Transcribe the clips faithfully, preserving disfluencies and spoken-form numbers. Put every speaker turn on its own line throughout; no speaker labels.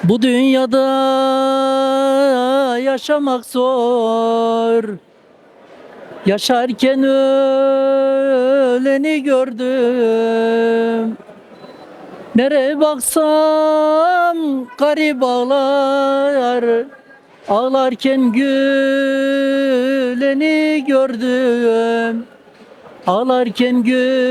Bu dünyada yaşamak zor. Yaşarken öleni gördüm. Nereye baksam garip ağlar. Ağlarken güleni gördüm. Ağlarken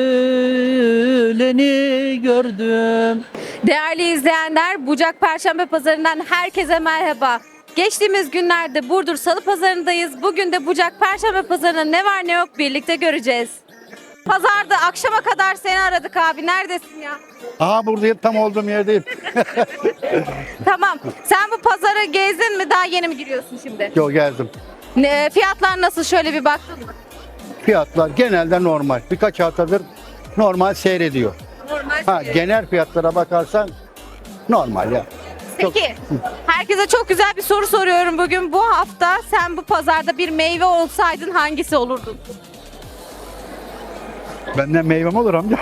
güleni gördüm.
Değerli izleyenler, Bucak Perşembe Pazarı'ndan herkese merhaba. Geçtiğimiz günlerde Burdur Salı Pazarı'ndayız. Bugün de Bucak Perşembe Pazarı'nda ne var ne yok birlikte göreceğiz. Pazarda akşama kadar seni aradık abi. Neredesin ya?
Aha buradayım, tam olduğum yerdeyim.
Tamam. Sen bu pazarı gezdin mi? Daha yeni mi giriyorsun şimdi?
Yo, geldim.
Ne, fiyatlar nasıl? Şöyle bir baktın mı?
Fiyatlar genelde normal. Birkaç haftadır normal seyrediyor.
Normal.
Ha, genel fiyatlara bakarsan normal ya. Çok-
Peki, herkese çok güzel bir soru soruyorum bugün. Bu hafta sen bu pazarda bir meyve olsaydın hangisi olurdun?
Benden meyvem olur amca.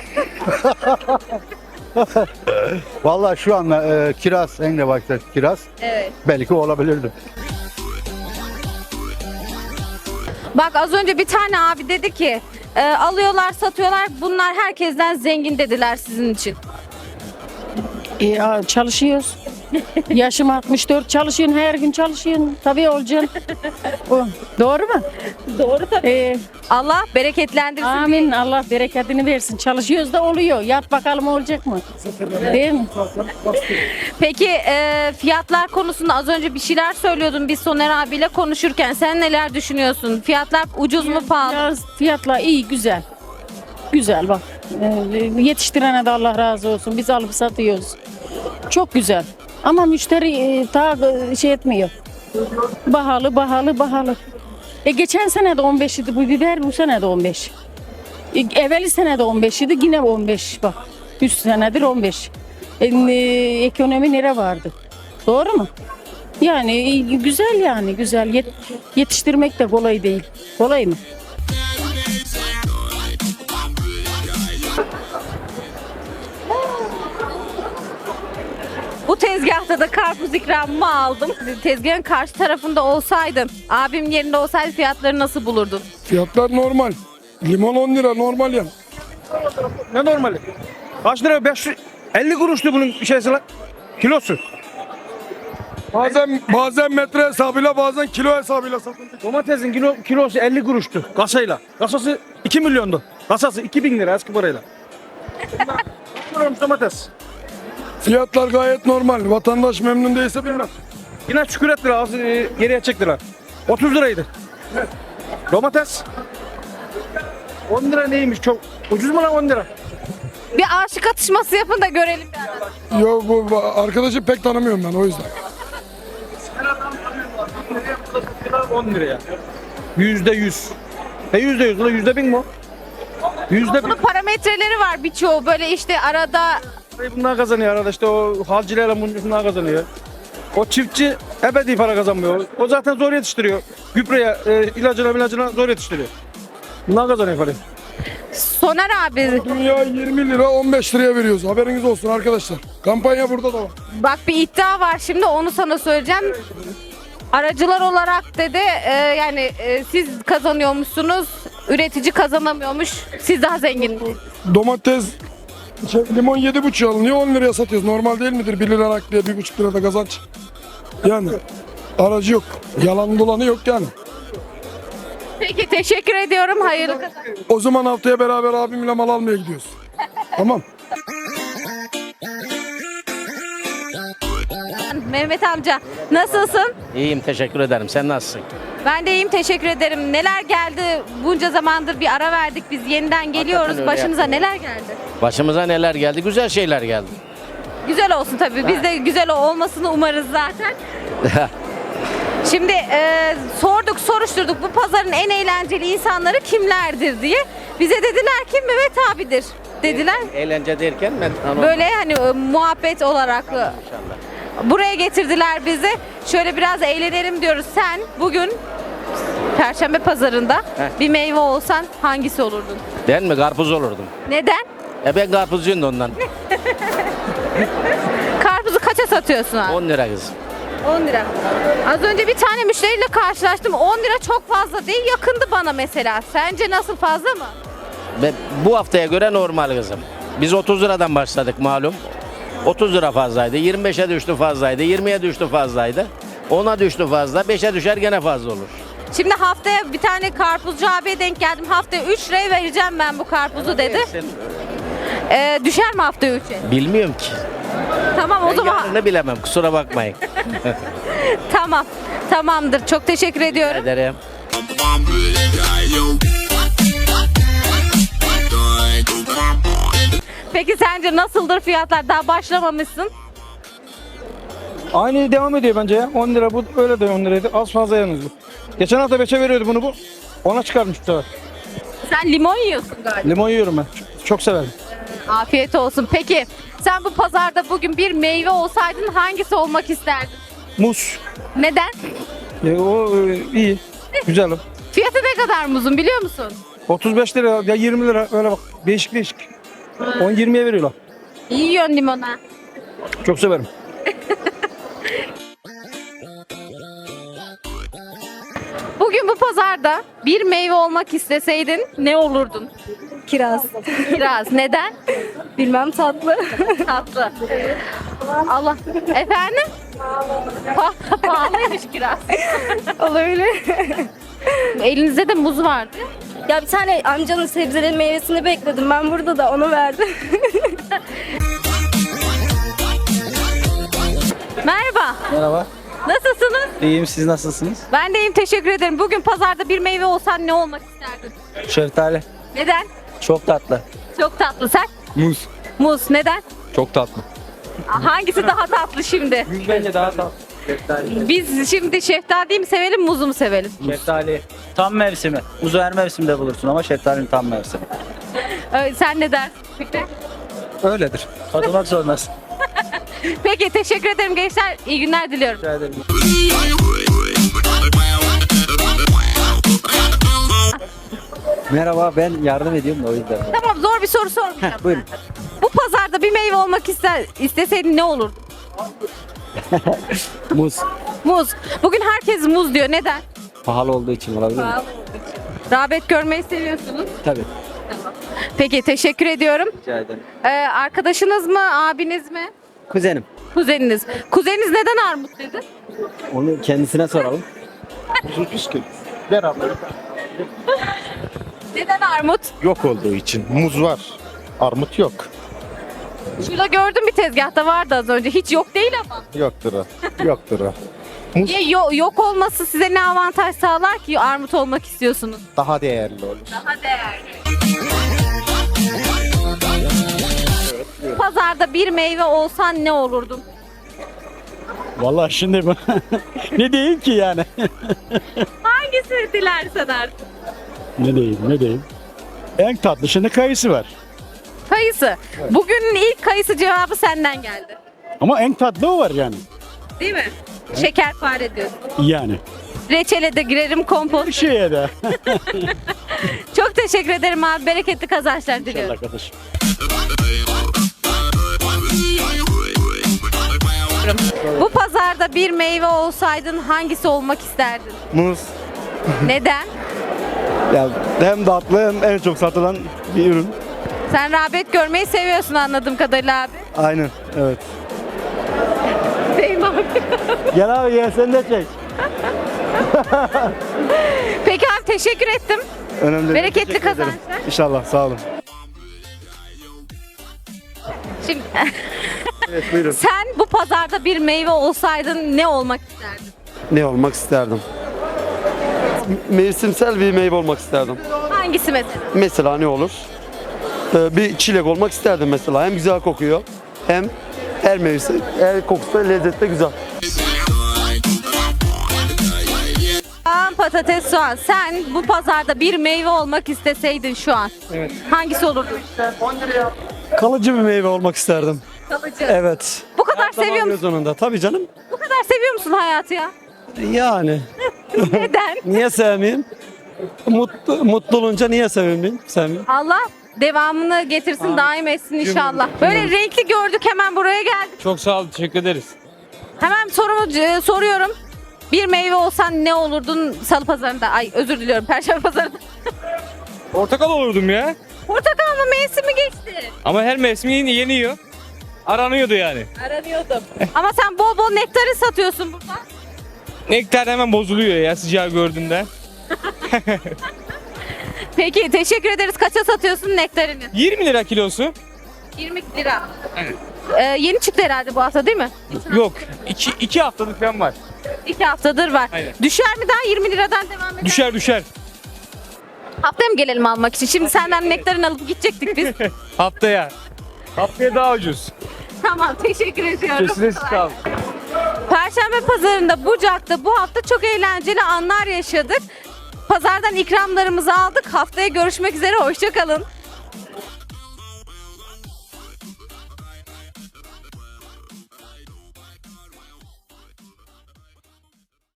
Vallahi şu anda e, kiraz, en de başta kiraz
Evet.
belki olabilirdi.
Bak az önce bir tane abi dedi ki e, alıyorlar satıyorlar bunlar herkesten zengin dediler sizin için.
E, ya çalışıyoruz. Yaşım altmış dört, çalışıyorsun, her gün çalışıyorsun. Tabii olacaksın. O, doğru mu?
Doğru tabii.
E,
Allah bereketlendirsin.
amin. Allah bereketini versin. Çalışıyoruz da oluyor. Yat bakalım olacak mı? Değil mi?
Peki e, fiyatlar konusunda az önce bir şeyler söylüyordun biz Soner abiyle konuşurken. Sen neler düşünüyorsun? Fiyatlar ucuz mu pahalı?
Biraz fiyatla iyi, güzel. Güzel bak. E, yetiştirene de Allah razı olsun. Biz alıp satıyoruz. Çok güzel. Ama müşteri e, ta e, şey etmiyor. Bahalı, bahalı, bahalı. E geçen sene de on beş idi bu biber, bu sene de on beş. E, evveli sene de on beş idi, yine on beş bak. üç senedir on beş. E, e, ekonomi nere vardı? Doğru mu? Yani e, güzel yani güzel. Yet- yetiştirmek de kolay değil. Kolay mı?
Bu tezgahta da karpuz ikramımı aldım. Tezgahın karşı tarafında olsaydım, abim yerinde olsaydı fiyatları nasıl bulurdun?
Fiyatlar normal. Limon on lira normal yani.
Ne normali? Kaç lira? beş yüz elli kuruştu bunun şeysi lan. Kilosu.
Bazen bazen metre hesabıyla bazen kilo hesabıyla satılıyor.
Domatesin kilo, kilosu elli kuruştu kasayla. Kasası iki milyondu. Kasası iki bin lira eski parayla. Bunlar domates.
Fiyatlar gayet normal. Vatandaş memnun değilse bilmem.
Yine şükür ettiler az e, geriye çektiler. otuz liraydı. Domates. on lira neymiş çok ucuz mu lan on lira?
Bir aşık atışması yapın da görelim. Yani.
Yo, bu bu arkadaşı pek tanımıyorum ben o yüzden.
on liraya. Yüzde yüz. E yüzde yüz ulan yüzde bin mi o? Yüzde bin.
Bunun parametreleri var birçoğu böyle işte arada
Parayı bunlar kazanıyor arada işte o halcilerle bunlar kazanıyor. O çiftçi ebedi para kazanmıyor. O zaten zor yetiştiriyor. Gübreye, e, ilacına ilacına zor yetiştiriyor. Bunlar kazanıyor parayı.
Soner abi
Dünya yirmi lira on beş liraya veriyoruz. Haberiniz olsun arkadaşlar. Kampanya burada da var.
bak bir iddia var şimdi onu sana söyleyeceğim. Aracılar olarak dedi e, yani e, siz kazanıyormuşsunuz, üretici kazanamıyormuş, siz daha zengin.
Domates şey, limon yedi buçuk alınıyor on liraya satıyoruz. Normal değil midir? bir lira nakliye bir buçuk lirada kazanç. Yani aracı yok. Yalan dolanı yok yani.
Peki teşekkür ediyorum, hayırlı kazançlar.
O zaman haftaya beraber abimle mal almaya gidiyoruz. Tamam.
Mehmet amca nasılsın?
İyiyim, teşekkür ederim. Sen nasılsın?
Ben de iyiyim, teşekkür ederim. Neler geldi? Bunca zamandır bir ara verdik biz, yeniden geliyoruz.
öyle
Başımıza
yaptın.
neler geldi?
Başımıza neler geldi? Güzel şeyler geldi.
Güzel olsun tabii. Biz de güzel olmasını umarız zaten. Şimdi e, sorduk, soruşturduk bu pazarın en eğlenceli insanları kimlerdir diye. Bize dediler ki Mehmet abidir dediler.
Eğlence derken ben anlamadım.
Böyle hani e, muhabbet olarak e,
İnşallah.
buraya getirdiler bizi. Şöyle biraz eğlenelim diyoruz. Sen bugün Perşembe pazarında
Heh.
bir meyve olsan hangisi olurdun?
Ben mi? Karpuz olurdum.
Neden?
E ben karpuzcuyum da ondan.
Karpuzu kaça satıyorsun abi?
on lira kızım.
on lira. Az önce bir tane müşteriyle karşılaştım. on lira çok fazla değil, yakındı bana mesela. Sence nasıl, fazla mı?
Ve bu haftaya göre normal kızım. Biz otuz liradan başladık malum. otuz lira fazlaydı. yirmi beşe düştü fazlaydı. yirmiye düştü fazlaydı. ona düştü fazla. beşe düşer gene fazla olur.
Şimdi haftaya bir tane karpuzcu abiye denk geldim. Haftaya üç liraya vereceğim ben bu karpuzu dedi. Ee, düşer mi haftaya üçe?
Bilmiyorum ki.
Tamam o
Ben
zaman.
yarını bilemem. Kusura bakmayın.
Tamam. Tamamdır. Çok teşekkür ediyorum.
Ederim.
Peki sence nasıldır fiyatlar? Daha başlamamışsın.
Aynı devam ediyor bence ya. on lira bu öyle de on liraydı. Az fazla yalnız bu. Geçen hafta beşe veriyordu bunu bu. Ona çıkarmış bu sefer.
Sen limon yiyorsun galiba.
Limon yiyorum ben. Çok, çok severim.
Afiyet olsun. Peki sen bu pazarda bugün bir meyve olsaydın hangisi olmak isterdin?
Muz.
Neden?
E, o e, iyi. Güzel o.
Fiyatı ne kadar muzun biliyor musun?
otuz beş lira ya yirmi lira öyle bak. Değişik değişik. on yirmiye veriyorlar.
İyi yiyorsun limona.
Çok severim.
Bugün bu pazarda bir meyve olmak isteseydin ne olurdun?
Kiraz.
Kiraz. Neden?
Bilmem tatlı.
Tatlı. Allah. Efendim? Pa- Pahalıymış kiraz.
Olabilir.
Elinizde de muz vardı.
Ya bir tane amcanın sebzelerin meyvesini bekledim. Ben burada da onu verdim.
Merhaba.
Merhaba.
Nasılsınız?
İyiyim, siz nasılsınız?
Ben de iyiyim, teşekkür ederim. Bugün pazarda bir meyve olsan ne olmak isterdin?
Şeftali.
Neden?
Çok tatlı.
Çok tatlı. Sen?
Muz.
Muz. Neden?
Çok tatlı.
Hangisi daha tatlı şimdi?
Bence daha tatlı. Şeftali.
Biz şimdi şeftaliyi mi sevelim, muzu mu sevelim?
Şeftali. Tam mevsimi. Muzu her mevsimde bulursun ama şeftalinin tam mevsimi.
Ee, sen ne dersin? Fikri?
Öyledir. Katılmak zorundasın.
Peki, teşekkür ederim gençler. İyi günler diliyorum.
Rica ederim. Merhaba, ben yardım ediyorum da o yüzden.
Tamam, zor bir soru sormayacağım.
Buyurun.
Bu pazarda bir meyve olmak ister, isteseydin ne olurdu?
Muz.
Muz. Bugün herkes muz diyor. Neden?
Pahalı olduğu için olabilir mi?
Rağbet görmeyi seviyorsunuz.
Tabii.
Peki, teşekkür ediyorum.
Rica ederim.
Ee, arkadaşınız mı, abiniz mi?
Kuzenim.
Kuzeniniz. Kuzeniniz neden armut dedi?
Onu kendisine soralım.
Neden armut?
Yok olduğu için. Muz var. Armut yok.
Şurada gördüm, bir tezgahta vardı az önce. Hiç yok değil ama.
Yoktur o. Yoktur o.
Niye yo- yok olması size ne avantaj sağlar ki armut olmak istiyorsunuz?
Daha değerli olur.
Daha değerli. Pazarda bir meyve olsan ne olurdun?
Vallahi şimdi bu- ne diyeyim ki yani?
Hangisini dilersen artık?
Ne diyeyim, ne diyeyim? En tatlı şimdi kayısı var.
Kayısı. Bugünün ilk kayısı cevabı senden geldi.
Ama en tatlı o var yani.
Değil mi? Şekerpare diyorsun.
Yani.
Reçele de girerim, kompost.
Bir şeye de.
Çok teşekkür ederim abi. Bereketli kazançlar diliyorum.
Arkadaşım.
Bu pazarda bir meyve olsaydın hangisi olmak isterdin?
Muz.
Neden?
Ya hem tatlı hem en çok satılan bir ürün.
Sen rağbet görmeyi seviyorsun anladığım kadarıyla abi.
Aynen. Evet.
Değil mi abi?
Gel abi gel sen de çek.
Peki abi, teşekkür ettim.
Önemli.
Bereketli
Teşekkür ederim.
kazançlar.
İnşallah sağ olun.
Şimdi
Evet buyurun.
sen bu pazarda bir meyve olsaydın ne olmak isterdin?
Ne olmak isterdim? Mevsimsel bir meyve olmak isterdim.
Hangisi mesela?
Mesela ne olur? Ee, bir çilek olmak isterdim mesela. Hem güzel kokuyor hem her mevsim, her kokusu da lezzetli güzel.
Soğan, patates, soğan. Sen bu pazarda bir meyve olmak isteseydin şu an.
Evet.
Hangisi olurdu?
Kalıcı bir meyve olmak isterdim.
Kalıcı.
Evet.
Bu kadar seviyor musun?
Sonunda. Tabii canım.
Bu kadar seviyor musun hayatı ya?
Yani.
Neden?
Niye sevmeyeyim? Mutlu, mutlu olunca niye sevmeyeyim? Sevmeyeyim.
Allah devamını getirsin, daim etsin inşallah. Böyle renkli gördük, hemen buraya geldik.
Çok sağ olun, teşekkür ederiz.
Hemen sorumu e, soruyorum. Bir meyve olsan ne olurdun Salı Pazarı'nda? Ay özür diliyorum, Perşembe Pazarı'nda.
Portakal olurdum ya.
Portakal mı, mevsimi geçti?
Ama her mevsim yeni yeniyor. Aranıyordu yani.
Aranıyordum. Ama sen bol bol nektarin satıyorsun burada.
Nektar hemen bozuluyor ya sıcağı gördüğünde.
Peki teşekkür ederiz. Kaça satıyorsun nektarini?
yirmi lira kilosu.
yirmi lira. Ee, yeni çıktı herhalde bu hafta değil mi?
Yok. iki, iki haftalık falan var.
İki haftadır var.
Aynen.
Düşer mi daha yirmi liradan devam eder?
Düşer düşer.
Haftaya mı gelelim almak için? Şimdi senden nektarin alıp gidecektik biz.
Haftaya. Haftaya daha ucuz.
Tamam, teşekkür ediyorum.
Kesinlikle sağ olun.
Perşembe Pazarı'nda Bucak'ta bu hafta çok eğlenceli anlar yaşadık. Pazardan ikramlarımızı aldık. Haftaya görüşmek üzere. Hoşça kalın.